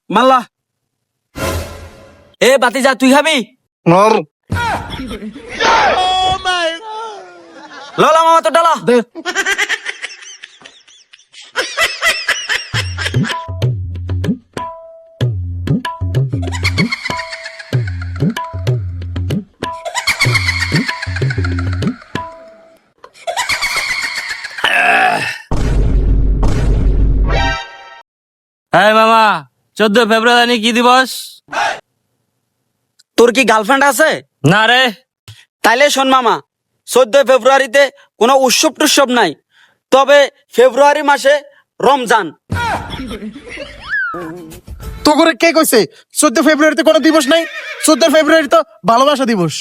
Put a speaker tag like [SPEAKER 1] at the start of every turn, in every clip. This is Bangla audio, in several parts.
[SPEAKER 1] মাল্লা এ বাতি যা তুই খাবি ললা মামা তো ডালা
[SPEAKER 2] দে
[SPEAKER 3] হ্যাঁ মামা 14 ফেব্রুয়ারি কি দিবস?
[SPEAKER 1] তোর কি গার্লফ্রেন্ড আছে?
[SPEAKER 3] না রে।
[SPEAKER 1] তাইলে শোন মামা, 14 ফেব্রুয়ারিতে কোনো উৎসব টুৎসব নাই, তবে ফেব্রুয়ারি মাসে রমজান।
[SPEAKER 2] তো করে কে কইছে 14 ফেব্রুয়ারিতে কোনো দিবস নাই? 14 ফেব্রুয়ারি তো ভালোবাসা দিবস।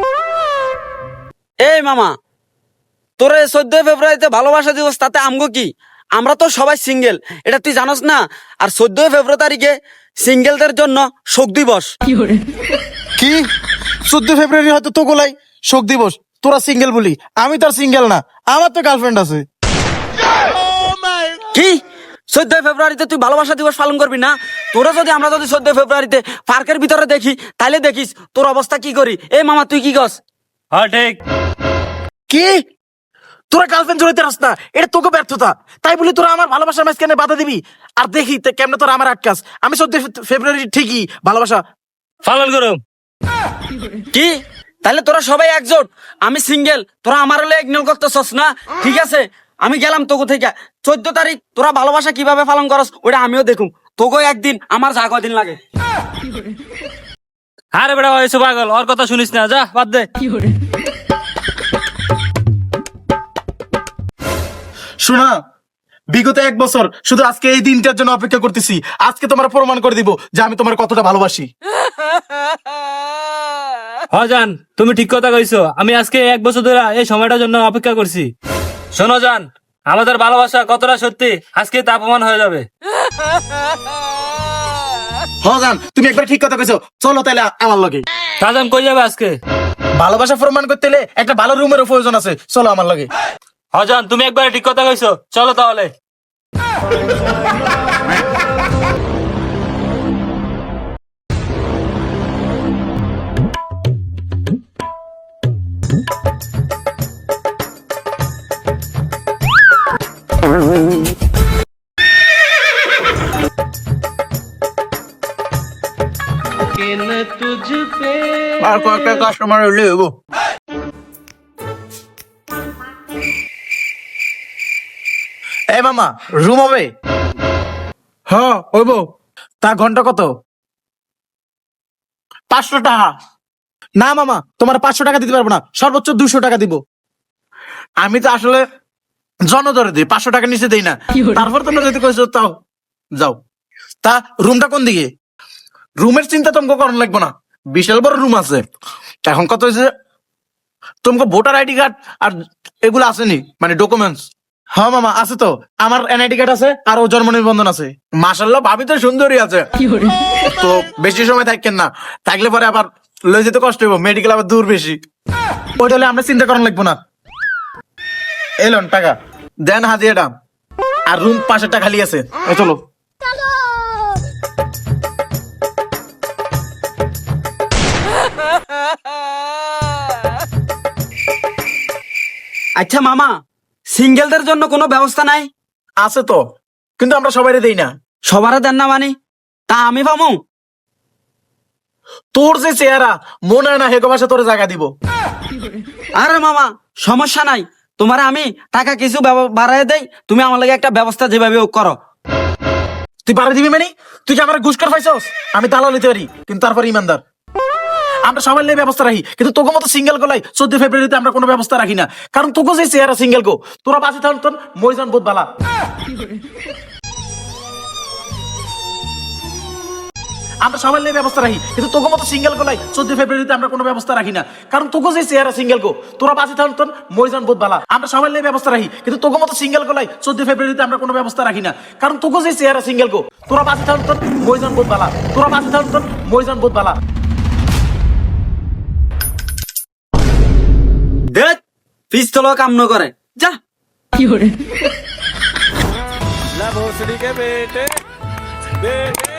[SPEAKER 1] এই মামা, তোরে 14 ফেব্রুয়ারিতে ভালোবাসা দিবস, তাতে আমগো কি? আমরা তো সবাই সিঙ্গেল, এটা তুই জানোস না? আর 14 ফেব্রুয়ারি তারিখে সিঙ্গেলদের জন্য শোক দিবস।
[SPEAKER 2] কি 14 ফেব্রুয়ারি হয়তো তো গোলাই শোক দিবস, তোরা সিঙ্গেল বলি, আমি তো আর সিঙ্গেল না, আমার তো গার্লফ্রেন্ড আছে।
[SPEAKER 1] কি 14 ফেব্রুয়ারিতে তুই ভালোবাসা দিবস পালন করবি না? তোরা যদি আমরা যদি 14 ফেব্রুয়ারিতে পার্কের ভিতরে দেখি, তাহলে দেখিস তোর অবস্থা কি করি। এই মামা তুই কি কস?
[SPEAKER 3] হ্যাঁ ঠিক।
[SPEAKER 2] কি তোরা গার্লফ্রেন্ড জড়াইতে রাস না, এটা তোকে ব্যর্থতা। তাই বলি তোরা আমার ভালোবাসার মাঝখানে বাধা দিবি? আর দেখি কেমনে তোরা আমার আটকাস। আমি 14 ফেব্রুয়ারি ঠিকই ভালোবাসা
[SPEAKER 3] পালন করো।
[SPEAKER 1] কি তাহলে তোরা সবাই একজোট, আমি সিঙ্গেল, তোরা আমার হলে ইগনোর করতেছস না? ঠিক আছে, আমি গেলাম তোকে থেকে। 14 তারিখ তোরা ভালোবাসা কিভাবে পালন করস ওটা আমিও দেখুম। তোকে একদিন, আমার যা কদিন লাগে।
[SPEAKER 3] আরে বেটা হয়েছে পাগল, ওর কথা শুনিস না, যা বাদ দে।
[SPEAKER 2] শোনা, বিগত 1 বছর শুধু আজকে এই দিনটার জন্য অপেক্ষা করতেছি। আজকে তোমার প্রমাণ করে দিব যে আমি তোমার কতটা ভালোবাসি।
[SPEAKER 3] হ্যাঁ জান, তুমি ঠিক কথা কইছো। আমি আজকে 1 বছর ধরে এই সময়টার জন্য অপেক্ষা করছি। শোনো জান, আমাদের ভালোবাসা কতটা সত্যি আজকে তা প্রমাণ হয়ে যাবে।
[SPEAKER 2] হ্যাঁ জান, তুমি একবার ঠিক কথা কইছো। চলো তাহলে আমার লগে।
[SPEAKER 3] তা জান কই যাবে আজকে?
[SPEAKER 2] ভালোবাসা প্রমাণ করতে হলে একটা ভালো রুমের প্রয়োজন আছে, চলো আমার লগে।
[SPEAKER 3] হ্যাঁ জান, তুমি একবার ঠিক কথা কইছো, চলো তাহলে।
[SPEAKER 2] আর কয়েকটা কাস্টমার হইলে হইব। এই মামা, রুম হবে? হ্যাঁ হইব। তা ঘন্টা কত? 500 টাকা। না মামা, তোমার 500 টাকা দিতে পারবো না, সর্বোচ্চ 200 টাকা দিব। আমি তো আসলে জনদরে দিই, 500 টাকা নিচে দেই না। তারপর তোমরা যদি কইছো তাও যাও। তা রুমটা কোন দিকে? রুমের চিন্তা তোমাকে করার লাগবে না, বিশাল বড় রুম আছে। এখন কত হয়েছে, তোমাকে ভোটার আইডি কার্ড আর এগুলো আসেনি, মানে ডকুমেন্টস? হ্যাঁ মামা আছে তো, আমার এনআইডি কার্ড আছে আর ও জন্ম নিবন্ধন আছে। মাশাআল্লাহ, ভাবি তো সুন্দরী আছে। তো বেশি সময় থাকেন না, থাকলে পরে আবার লই যেতে কষ্ট হইব, মেডিকেল আবার দূর বেশি। ওইটা হলে আমরা চিন্তা করার লাগবো না। এলন টাকা দেন, হাজিয়াটা। আর রুম 5 টাকা খালি আছে। এই চলো।
[SPEAKER 1] আচ্ছা মামা, সিঙ্গেলদের জন্য কোনো ব্যবস্থা নাই?
[SPEAKER 2] আছে তো, কিন্তু আমরা সবাই দেই না।
[SPEAKER 1] সবারে দেন না মানে? তা আমি পামু?
[SPEAKER 2] তোর যে চেহারা, মনে হয় না হেগো মাসে তোর জায়গা দিব।
[SPEAKER 1] আরে মামা, সমস্যা নাই, তোমার আমি টাকা কিছু বাড়াই দেই, তুমি আমার লাগে একটা ব্যবস্থা যেভাবে হোক করো।
[SPEAKER 2] তুই বাড়ি দিবি মানে? তুই কি আমার ঘুষ করে পাইছস? আমি তালাও নিতে পারি, কিন্তু তারপর ইমানদার। আমরা সবাই লেগে ব্যবস্থা রাখি, কিন্তু তোকে মতো সিঙ্গেল গোলাই 14 ফেব্রুয়ারিতে আমরা কোনো ব্যবস্থা রাখি না। কারণ তোকে যে চেহারা সিঙ্গেল গো, তোরা বাঁচি থাকুন তোর মরিজন বোধ বালা। আমরা সবাই লেগে ব্যবস্থা রাখি, কিন্তু তোকে মতো সিঙ্গেল গোলাই 14 ফেব্রুয়ারিতে আমরা কোনো ব্যবস্থা রাখি না। কারণ তোকে যে চেহারা সিঙ্গেল গো, তোরা বাঁচি থাকুন তোর মরিজন বোধ বালা। আমরা সবাই লেগে ব্যবস্থা রাখি, কিন্তু তোকে মতো সিঙ্গেল গোলাই 14 ফেব্রুয়ারিতে আমরা কোনো ব্যবস্থা রাখি না। কারণ তোকে যে চেহারা সিঙ্গেল গো, তোরা বাঁচি থাকুন তোর মরিজন বোধ বালা। তোরা বাঁচি থাকুন তোর মরিজন বোধ বালা।
[SPEAKER 1] দেখ পিস্তল কাম ন করে, যা।
[SPEAKER 4] La voz de que vete, vete.